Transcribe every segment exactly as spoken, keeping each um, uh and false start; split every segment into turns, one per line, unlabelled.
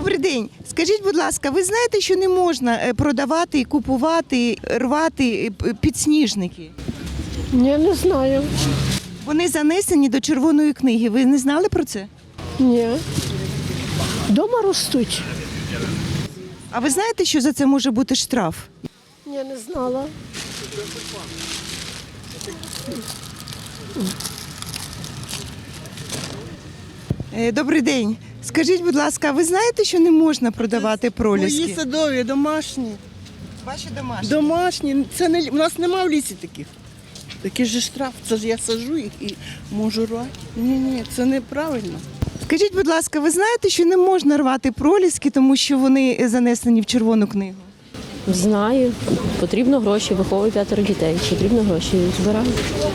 Добрий день. Скажіть, будь ласка, ви знаєте, що не можна е, продавати, купувати, рвати е, підсніжники?
Ні, не знаю.
Вони занесені до червоної книги. Ви не знали про це?
Ні. Дома ростуть.
А ви знаєте, що за це може бути штраф?
Ні, не знала.
Е, Добрий день. Скажіть, будь ласка, ви знаєте, що не можна продавати проліски?
Мої садові, домашні.
Ваші домашні.
Домашні. Це не, у нас немає в лісі таких. Такий же штраф. Це ж я саджу їх і можу рвати. Ні, ні, це неправильно.
Скажіть, будь ласка, ви знаєте, що не можна рвати проліски, тому що вони занесені в червону книгу?
Знаю. Потрібно гроші, виховую п'ятеро дітей. Потрібно гроші, збираю.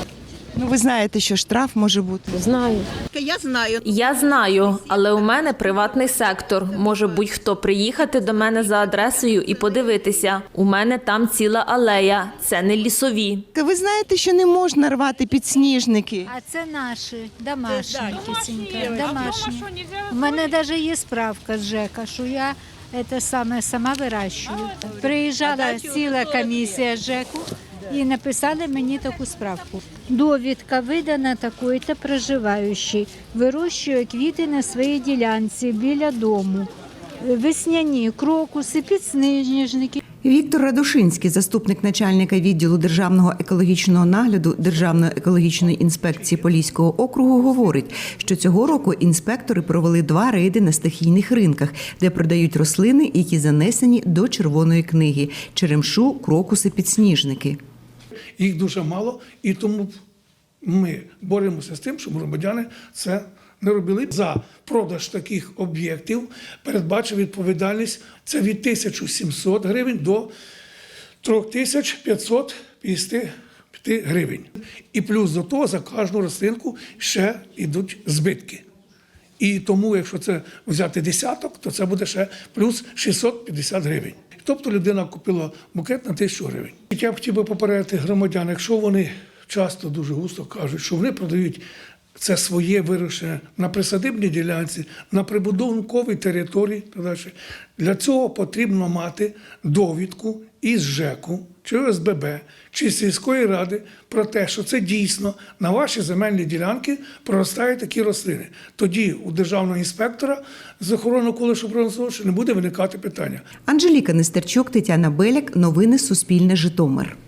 Ну, ви знаєте, що штраф може бути.
Знаю.
Я знаю.
Я знаю, але у мене приватний сектор. Може будь-хто приїхати до мене за адресою і подивитися. У мене там ціла алея, це не лісові.
Ви знаєте, що не можна рвати підсніжники?
А це наші, домашні, кисенька, домашні. У мене навіть є справка з ЖЕКа, що я це саме сама вирощую. Приїжджала ціла комісія з ЖЕКу і написали мені таку справку. Довідка видана такої-то проживаючий, вирощує квіти на своїй ділянці біля дому. Весняні крокуси, підсніжники.
Віктор Радушинський, заступник начальника відділу державного екологічного нагляду Державної екологічної інспекції Поліського округу, говорить, що цього року інспектори провели два рейди на стихійних ринках, де продають рослини, які занесені до червоної книги – черемшу, крокуси, підсніжники.
Їх дуже мало, і тому ми боремося з тим, щоб громадяни це не робили. За продаж таких об'єктів передбачив відповідальність – це від тисячі сімсот гривень до три тисячі п'ятсот п'ятдесят п'ять гривень. І плюс до того за кожну рослинку ще йдуть збитки. І тому, якщо це взяти десяток, то це буде ще плюс шістсот п'ятдесят гривень. Тобто людина купила букет на тисячу гривень. Я б хотів би попередити громадян, якщо вони часто дуже густо кажуть, що вони продають це своє вирощення на присадибній ділянці, на прибудинковій території, для цього потрібно мати довідку із ЖЕКу, чи О С Б Б, чи сільської ради про те, що це дійсно на ваші земельні ділянки проростають такі рослини. Тоді у державного інспектора з охорони навколишнього природного не буде виникати питання.
Анжеліка Нестерчук, Тетяна Беляк. Новини Суспільне. Житомир.